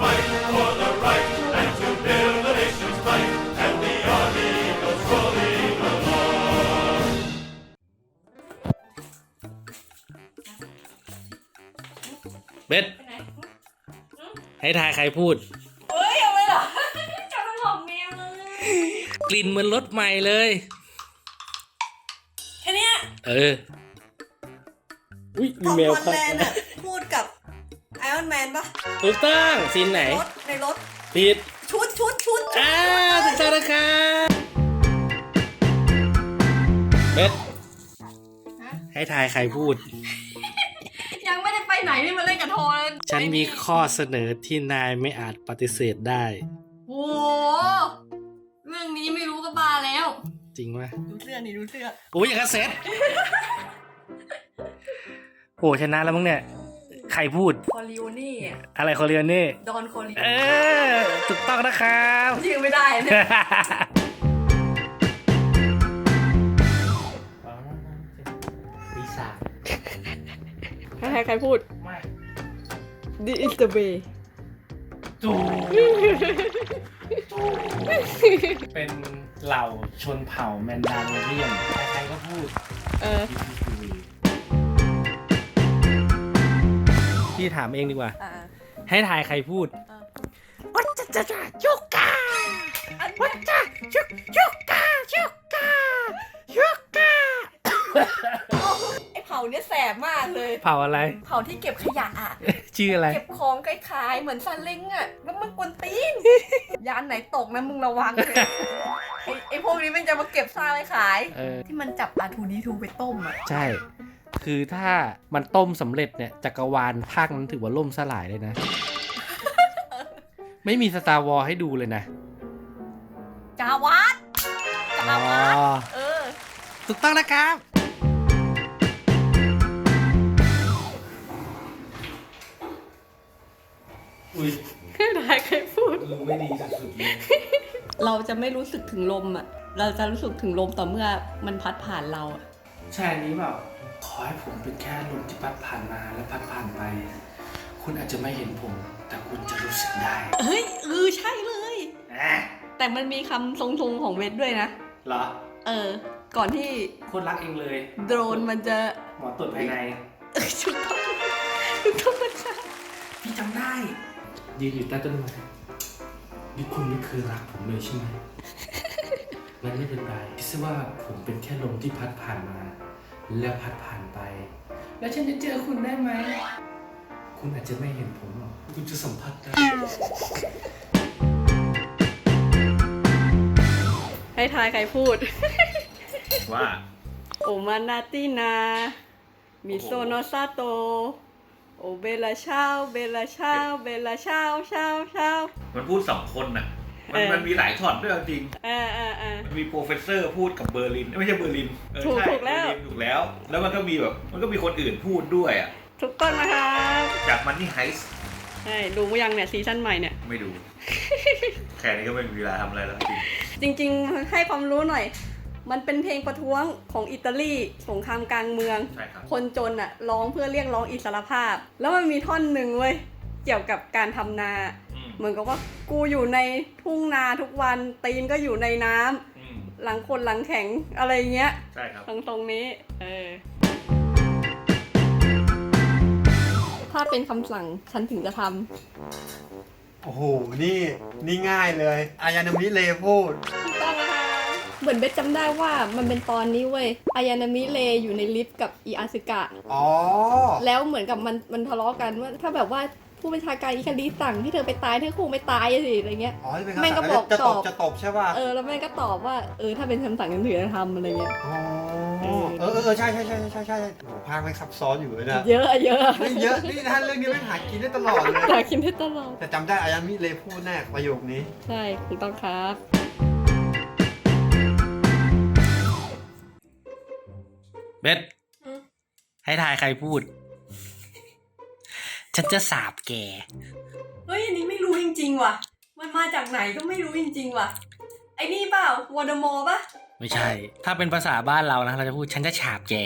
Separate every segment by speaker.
Speaker 1: fight for the right and to build the nation's might, and the army goes rolling along.
Speaker 2: เบสให้ทายใครพูด
Speaker 3: เฮ้ยเอาไปเหรอจะมาหลอกแมวเลย
Speaker 2: กลิ่นเหมือนรถใหม่เลย
Speaker 3: แค่เนี้ย
Speaker 2: อุ้ย
Speaker 3: ท
Speaker 2: มี
Speaker 3: อม
Speaker 2: แมว
Speaker 3: ฮอลแลนด์อะพูดกับไอรอนแมนปะ
Speaker 2: ถูกต้องซีนไหน
Speaker 3: ในรถ
Speaker 2: ผิด
Speaker 3: ชุดถูกต้อง
Speaker 2: นะครับเบสให้ทายใครพูด
Speaker 3: ยังไม่ได้ไปไหนนี่มาเล่นกับโทรเลย
Speaker 2: ฉันมีข้อเสนอที่นายไม่อาจปฏิเสธได้
Speaker 3: โอ้เรื่องนี้ไม่รู้ก็บ้าแล้ว
Speaker 2: จริงไหม
Speaker 3: ดูเสื้อนี่ดูเสื้อ
Speaker 2: โอ้ยอย่างกับเซ็ตโอ้ชนะแล้วมั้งเนี่ย ใครพูด
Speaker 3: คอริโอนี่อะ
Speaker 2: อะไรคอเรียนนี่
Speaker 3: ดอนคอริโอ
Speaker 2: ถูกต้องนะครับ
Speaker 3: ชื่อไม่ได้เนี่ย
Speaker 2: ปีศาจ
Speaker 3: ใครพูด
Speaker 2: ไม่
Speaker 3: This is the way
Speaker 2: จูเป็นเหล่าชนเผ่าแมนดาโลเรียนใครๆก็พูดพี่ถามเองดีกว่า ให้ทายใครพูดวัจจะยุกาวัจจะยุกายุกา
Speaker 3: ไอเผาเนี่ยแสบมากเลย
Speaker 2: เผ่าอะไร
Speaker 3: เผาที่เก็บขยะอะ
Speaker 2: ชื่ออะไร
Speaker 3: เก็บของคล้ายๆเหมือนซาเล้งอะแล้วมันกวนตีน ยานไหนตกนะมึงระวังเลยไอพวกนี้มันจะมาเก็บซ่าไว้ขาย ที่มันจับR2D2ไปต้มอะ
Speaker 2: ใช่ คือถ้ามันต้มสำเร็จเนี่ยจักรวาลภาคนั้นถือว่าล่มสลายเลยนะ ไม่มีสตาร์วอลให้ดูเลยนะ
Speaker 3: จาวัด
Speaker 2: ถูกต้องนะครับ อุ้ย
Speaker 3: ใครพูด
Speaker 2: มึงไม่ดีสุดๆเลย
Speaker 3: เราจะไม่รู้สึกถึงลมอะเราจะรู้สึกถึงลมต่อเมื่อมันพัดผ่านเราอะ
Speaker 2: ใช่นี้เปล่าขอให้ผมเป็นแค่ลมที่พัดผ่านมาและพัดผ่านไป คุณอาจจะไม่เห็นผม แต่คุณจะรู้สึกได้
Speaker 3: เฮ้ยใช่เลย แต่มันมีคำทรงๆของเวทด้วยนะ
Speaker 2: เหรอ
Speaker 3: ก่อนที่
Speaker 2: โคตรรักเองเลย
Speaker 3: โดรนมันจะ
Speaker 2: หมอตรวจภายใน
Speaker 3: ถูกต้องนะคะ
Speaker 2: พี่จำได้ ยืนอยู่ใต้ต้นไม้นี่คุณไม่เคยรักผมเลยใช่ไหม งั้นไม่เป็นไรคิดซะว่าผมเป็นแค่ลมที่พัดผ่านมา แล้วพัดผ่านไป แล้วฉันจะเจอคุณได้ไหม คุณอาจจะไม่เห็นผมหรอกคุณจะสัมผัสได้
Speaker 3: ให้ทายใครพูด
Speaker 1: ว่า
Speaker 3: โอมานาตินามิโซโนซาโตโอเบลาเช้าเบลาเช้าเบลาเช้าเช้าเช้า
Speaker 1: มันพูดสองคนน่ะ มันมีหลายช็อตด้วยจริง มันมีโปรเฟสเซอร์พูดกับเบอร์ลินไม่ใช่เบอร์ลินใช่
Speaker 3: ถูกแล้ว
Speaker 1: เบอร์ลินถูกแล้ว แล้วมันก็มีแบบมันก็มีคนอื่นพูดด้วยอ่ะ
Speaker 3: ถูกต้องนะคะ
Speaker 1: จากมันนี่ไฮส์
Speaker 3: ใช่ดูยังเนี่ยซีซั่นใหม่เนี่ย
Speaker 1: ไม่ดู แค่นี้ก็ไม่มีเวลาทำอะไรแล้วจริง
Speaker 3: จริงๆให้ความรู้หน่อย มันเป็นเพลงประท้วงของอิตาลีสงครามกลางเมือง
Speaker 1: ใช่ครับ
Speaker 3: คนจนอะร้องเพื่อเรียกร้องอิสรภาพ แล้วมันมีท่อนหนึ่งเว้ยเกี่ยวกับการทำนา เหมือนกับว่ากูอยู่ในทุ่งนาทุกวันตีนก็อยู่ในน้ำหลังคนหลังแข็งอะไรเงี้ย
Speaker 1: ใช่ครับ
Speaker 3: ตรงนี้ถ้าเป็นคำสั่งฉันถึงจะทำ
Speaker 4: โอ้โห นี่ง่ายเลย อายานามิเลพูด
Speaker 3: ถูกต้องนะคะเหมือนเบสจำได้ว่ามันเป็นตอนนี้เว้ยอายานามิเลอยู่ในลิฟต์กับอีอาซึกะ
Speaker 4: อ๋อ
Speaker 3: แล้วเหมือนกับมันทะเลาะกันว่าถ้าแบบว่าผู้บัญชาการอิคาริสั่งให้เธอไปตายเธอคงไม่ตายสิอะไรเงี้ย
Speaker 4: อ๋อที่เป็น
Speaker 3: แม่ง
Speaker 4: คำ
Speaker 3: ก็
Speaker 4: สั่ง
Speaker 3: บอก
Speaker 4: จะ
Speaker 3: ต
Speaker 4: ต
Speaker 3: อ
Speaker 4: บบ จะตบใช่ป่ะ
Speaker 3: แล้วแม่งก็ตอบว่าถ้าเป็นคำสั่งฉันถึงจะทำอะไรเงี้ย
Speaker 4: อ๋อใช่โอ้โหภาคไม่ซับซ้อนอยู่เลยนะ
Speaker 3: เยอะ
Speaker 4: เรื่องเยอะ นี่ท่านเรื่องนี้ไม่หากินได้ตลอดเลย
Speaker 3: หากินได้ตลอด
Speaker 4: แต่จำได้อายานามิเลพูดแน่ประโยคนี้
Speaker 3: ใช่ถูกต้องครับ
Speaker 2: เบสให้ทายใครพูด ฉันจะสาบแก
Speaker 3: เฮ้ยอันนี้ไม่รู้จริงๆว่ะมันมาจากไหนก็ไม่รู้จริงๆว่ะไอ้นี่เปล่าวอร์ดมอร์ป่ะ
Speaker 2: ไม่ใช่ ถ้าเป็นภาษาบ้านเรานะ เราจะพูดฉันจะฉาบแก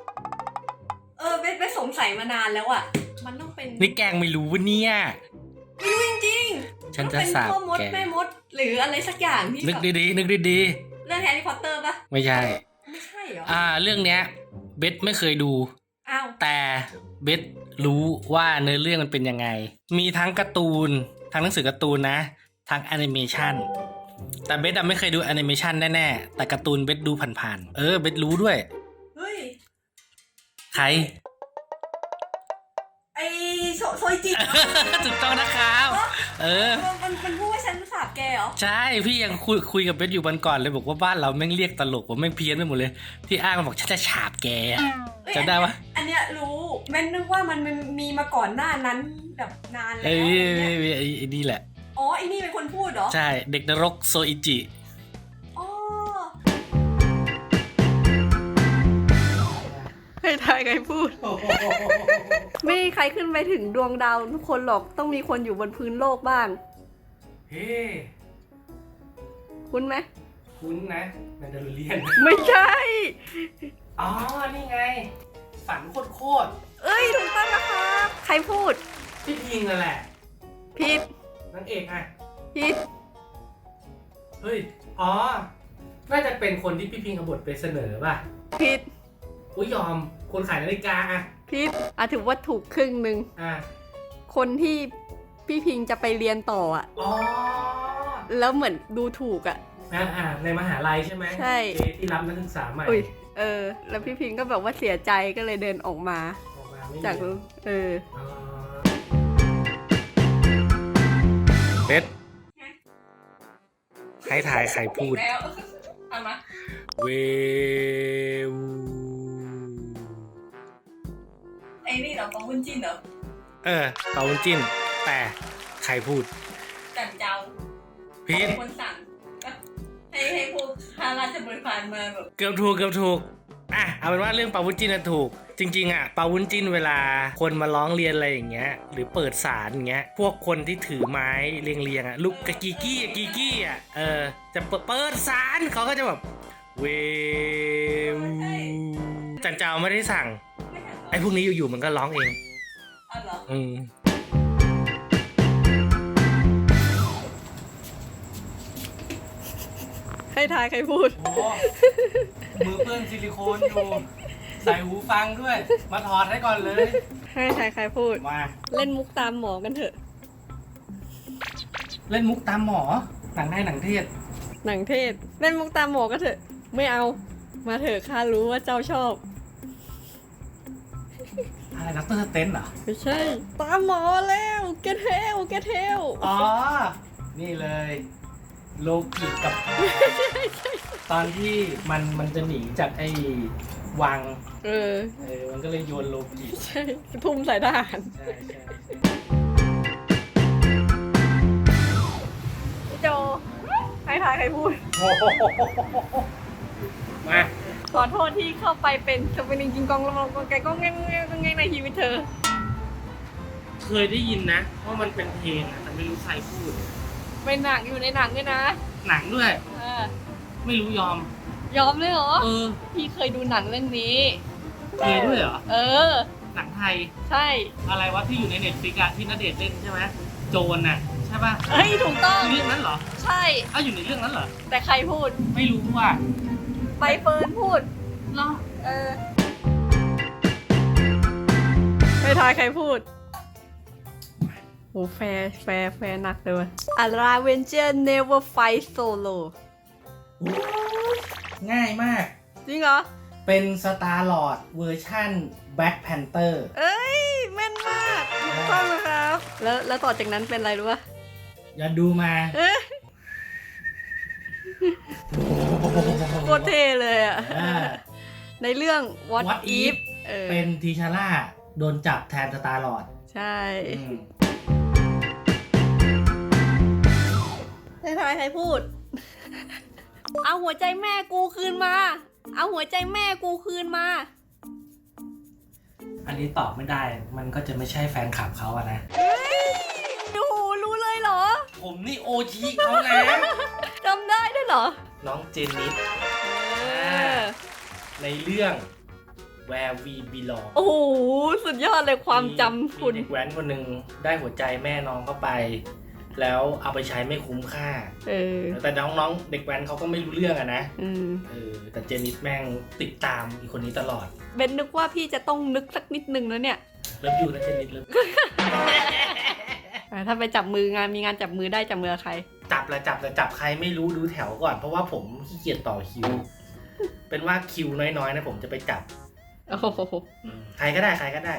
Speaker 3: เบสสงสัยมานานแล้วอ่ะมันต้องเป็น
Speaker 2: นี่แกงไม่รู้วะเนี่ย
Speaker 3: ไม่รู้จริง
Speaker 2: ฉันจะสาบ
Speaker 3: เป็นพ่อมด
Speaker 2: แก
Speaker 3: แม่มด หรืออะไรสักอย่างที่
Speaker 2: นึก
Speaker 3: แบบ
Speaker 2: ดีๆนึกดี
Speaker 3: เรื่องแฮร์รี่พอตเตอร์ปะ
Speaker 2: ๆไม่ใช่
Speaker 3: ไม่ใช่เหรอ
Speaker 2: เรื่องเนี้ยเบสไม่เคยดู
Speaker 3: อ้าว
Speaker 2: แต่เบสรู้ว่าเนื้อเรื่องมันเป็นยังไง มีทั้งการ์ตูนทั้งหนังสือการ์ตูนนะทั้งแอนิเมชันแต่เบสไม่เคยดูแอนิเมชันแน่ๆแต่การ์ตูนเบสดูผ่านๆเบสรู้ด้วย
Speaker 3: เฮ้ย
Speaker 2: ใคร
Speaker 3: ไอโซยจิ
Speaker 2: ถูกต้องนะครับ
Speaker 3: มันพูดว่าฉันสาบแกเหรอ
Speaker 2: ใช่พี่ยังคุยกับเบสอยู่วันก่อนเลยบอกว่าบ้านเราแม่งเรียกตลกว่าแม่งเพี้ยนไปหมดเลยที่อ้างมันบอกฉันจะฉาบแก
Speaker 3: เอ้ย
Speaker 2: จำได้ปะ
Speaker 3: อันเนี้ยรู้แม่นนึกว่ามันมีมาก่อนหน้านั้นแบบนานแล้ว
Speaker 2: ไอ้
Speaker 3: เนี่ย
Speaker 2: นี่แหละ
Speaker 3: อ๋อไอ้นี่เป็นคนพูดเหรอ
Speaker 2: ใช่เด็กนรกโซอิจิ
Speaker 3: อ๋อให้ทายใครพูด ไม่มีใครขึ้นไปถึงดวงดาวทุกคนหรอกต้องมีคนอยู่บนพื้นโลกบ้าง
Speaker 2: เฮ้
Speaker 3: คุ้นไหม
Speaker 2: คุ้นนะแมนดาริเลียน
Speaker 3: ไม่ใช่
Speaker 2: อ๋อ นี่ไง ฝันโคตร
Speaker 3: เอ้ยถูกต้องนะครับ ใครพูด
Speaker 2: ๆพี่พิงนั่นแหละ
Speaker 3: ผิด
Speaker 2: นางเอกอ่ะ
Speaker 3: ผิด
Speaker 2: เฮ้ย อ๋อ น่าจะเป็นคนที่พี่พิงเอาบทไปเสนอป่ะ
Speaker 3: ผิด
Speaker 2: อุ้ยยอม คนขายนาฬิกาอ่ะ
Speaker 3: ผิดถือว่าถูกครึ่งหนึ่ง
Speaker 2: อ่ะ
Speaker 3: คนที่พี่พิงจะไปเรียนต่ออ่ะ
Speaker 2: อ๋อ
Speaker 3: แล้วเหมือนดูถูกอ่ะ
Speaker 2: ในมหาลัยใช่ไหม
Speaker 3: ใช่
Speaker 2: ที่รับนักศึกษาใหม่
Speaker 3: อุ้ยแล้วพี่พิงก็แบบว่าเสียใจก็เลยเดินออกมา
Speaker 2: ออกมาไม่
Speaker 3: จาก
Speaker 2: มี อ๋อเบสให้ถ่ายใครพูด
Speaker 3: แล้วเอามา
Speaker 2: เวว
Speaker 3: ไอ้นี่เหรอปองวุ้นจินเหรอ
Speaker 2: เปาวุ้นจิ้น แต่ใครพูด
Speaker 3: จันเจ้า
Speaker 2: พีท
Speaker 3: คนสั่งให้พวกข้าราชบริพารมาแบบ
Speaker 2: เกือบถูกเอาเป็นว่าเรื่องเปาวุ้นจิ้นน่ะถูก จริงๆเปาวุ้นจิ้นเวลาคนมาร้องเรียนอะไรอย่างเงี้ยหรือเปิดศาลอย่างเงี้ยพวกคนที่ถือไม้เรียงลูกกะกีกี้จะเปิดศาลเขาก็จะแบบเววจันเจ้าไม่ได้สั่ง
Speaker 3: ไม่สั่งเหรอ
Speaker 2: ไอ้พวกนี้อยู่ๆมันก็ร้องเอง
Speaker 3: เอาเหรอ ให้ทายใครพูด
Speaker 2: โอ้มือเปื้อนซิลิโคนอยู่ ใส่หูฟังด้วย มาถอดให้ก่อนเลย
Speaker 3: ให้ทายใครพูด
Speaker 2: มา
Speaker 3: เล่นมุกตามหมอกันเถอะ
Speaker 2: เล่นมุกตามหมอ หนังไทยหนังเทศ
Speaker 3: หนังเทศ เล่นมุกตามหมอกันเถอะ ไม่เอา มาเถอะข้ารู้ว่าเจ้าชอบ
Speaker 2: อะไรนักเตอร์เต้นเหรอ
Speaker 3: ไม่ใช่ ตามหมอแล้วแกเทล
Speaker 2: อ๋อ นี่เลย โลกิกับ ตอนที่มันจะหนีจากไอ้วัง มันก็เลยโยนโลกิ
Speaker 3: ใช่ ทุ่มใส่ทหาร
Speaker 2: ใช่
Speaker 3: โจ ให้ทายใครพูด
Speaker 2: มา
Speaker 3: ขอโทษที่เข้าไปเป็นสปินิงกิงกองลองแกก็แง่ในชีวิตเธอ
Speaker 2: เคยได้ยินนะว่ามันเป็นเพลงอะแต่ไม่รู้ใครพูด
Speaker 3: เป็นหนังอยู่ในหนังด้วยนะ
Speaker 2: หนังด้วย ไม่รู้ยอม
Speaker 3: ยอมเลยเหรอ
Speaker 2: อ
Speaker 3: พี่เคยดูหนังเรื่องนี้
Speaker 2: เคยด้วยเหรอ หนังไทย
Speaker 3: ใช่
Speaker 2: อะไรวะที่อยู่ในเน็ตฟลิกอะที่ณเดชน์เล่นใช่ไหมโจรน่ะใช่ป่ะ
Speaker 3: เฮ้ย ถูกต้อง
Speaker 2: อยู่ในเรื่องนั้นเหรอ
Speaker 3: ใช่
Speaker 2: อยู่ในเรื่องนั้นเหรอ
Speaker 3: แต่ใครพูด
Speaker 2: ไม่รู้ว่า
Speaker 3: ใบเฟิร์นพูด
Speaker 2: เหรอ
Speaker 3: ไม่ทายใครพูด โอ้แฟร์หนักเลยว่ะ A Ravenger never fight solo
Speaker 2: ง่ายมาก
Speaker 3: จริงเหรอ
Speaker 2: เป็นสตาร์ลอร์ดเวอร์ชั่นแบ็คแพนเตอร์
Speaker 3: เอ้ย แม่นมากถูกต้องนะครับ แล้วต่อจากนั้นเป็นอะไรรู้ป่ะ
Speaker 2: อย่าดูมา
Speaker 3: เอ้ยโคตรเท่เลยอ่ะ ในเรื่อง What If
Speaker 2: เป็นทีชาร่าโดนจับแทนสตาร์ลอร์ด
Speaker 3: ใช่ให้ทายใครพูด เอาหัวใจแม่กูคืนมา เอาหัวใจแม่กูคืนมา
Speaker 2: อันนี้ตอบไม่ได้ มันก็จะไม่ใช่แฟนคลับเขาอะนะ
Speaker 3: เฮ้ยโอ้โหรู้เลยเหรอ
Speaker 2: ผมนี่โอชีเขานะ
Speaker 3: จำได้ด้วยเหรอ
Speaker 2: น้องเจนนิสในเรื่อง Where We Belong
Speaker 3: โอ้โหสุดยอดเลยความจำคุณ
Speaker 2: มีเด็กแว้นคนหนึ่งได้หัวใจแม่น้องเข้าไป แล้วเอาไปใช้ไม่คุ้มค่า แต่น้องๆเด็กแว้นเขาก็ไม่รู้เรื่องอะนะแต่เจนิสแม่งติดตามอีกคนนี้ตลอด
Speaker 3: เบนนึกว่าพี่จะต้องนึกสักนิดนึงแล้วเนี่ย
Speaker 2: เริ่มอยู่นะเจนิสเริ่ม
Speaker 3: ถ้าไปจับมืองานมีงานจับมือได้จับมือใคร
Speaker 2: จับใครไม่รู้ดูแถวก่อนเพราะว่าผมขี้เกียจต่อคิว เป็นว่าคิวน้อยๆนะผมจะไปจับ
Speaker 3: โอ้โห
Speaker 2: ใครก็ได้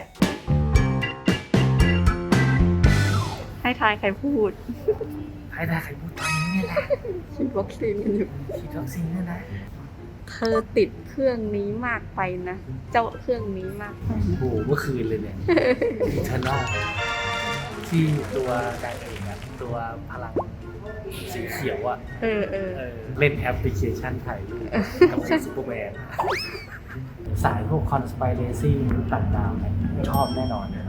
Speaker 3: ให้ทายใครพูด
Speaker 2: ใครพูดตอนนี้เนี่ยนะ
Speaker 3: ฉีดวัคซีนกันอยู่
Speaker 2: ฉีดวัคซีนเนี่ยนะ
Speaker 3: เธอติดเครื่องนี้มากไปนะ เจ้าเครื่องนี้มากไป
Speaker 2: โอ้โหเมื่อคืนเลยเนี่ยอิเทอร์นอลที่ตัวนางเอกอะตัวพลังสีเขียวอะเล่นแอปพลิเคชันถ่ายรูปกับซูเปอร์แมนสายพวกคอนสไปเรซี่ต่างดาวเนี่ยชอบแน่นอนเลย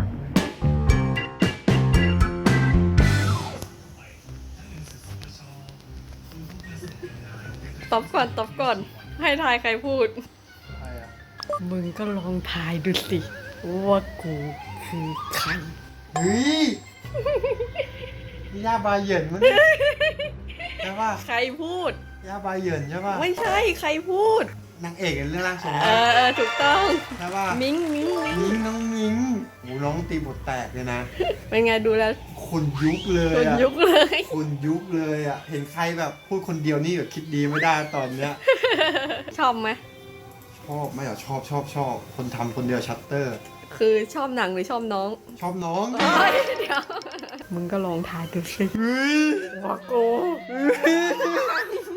Speaker 3: ตอบก่อน ให้ทายใครพูด
Speaker 4: ใครอะ
Speaker 3: มึงก็ลองทายดูสิ ว่ากูคือใคร
Speaker 4: เฮ้ยนี่ย่าบาเหยินมั้งเนี่ยใช่ป่ะ
Speaker 3: ใครพูด
Speaker 4: ย่าบาเหยินใช่ป่ะ
Speaker 3: ไม่ใช่ใครพูด
Speaker 4: นางเอกในเรื่องร่างทรง
Speaker 3: ถูกต้อง
Speaker 4: ใช่ป่ะ
Speaker 3: มิ้ง
Speaker 4: น้องมิ้งโอ้น้องตีบทแตกเลยนะ
Speaker 3: เป็นไงดูแล้ว
Speaker 4: คนยุคเลย
Speaker 3: คน
Speaker 4: อะ
Speaker 3: ยุคเลย
Speaker 4: คนยุคเลยอ่ะ เห็นใครแบบพูดคนเดียวนี่แบบคิดดีไม่ได้ตอนเนี้ย
Speaker 3: ชอบไหม
Speaker 4: ชอบไม่เหรอชอบ คนทำคนเดียวชัตเตอร์
Speaker 3: คือชอบหนังหรือชอบน้อง
Speaker 4: ชอบน้อง
Speaker 3: เฮ้ยเดี๋ยว มึงก็ลองทายดูสิ
Speaker 4: เฮ้ย
Speaker 3: ว่ากู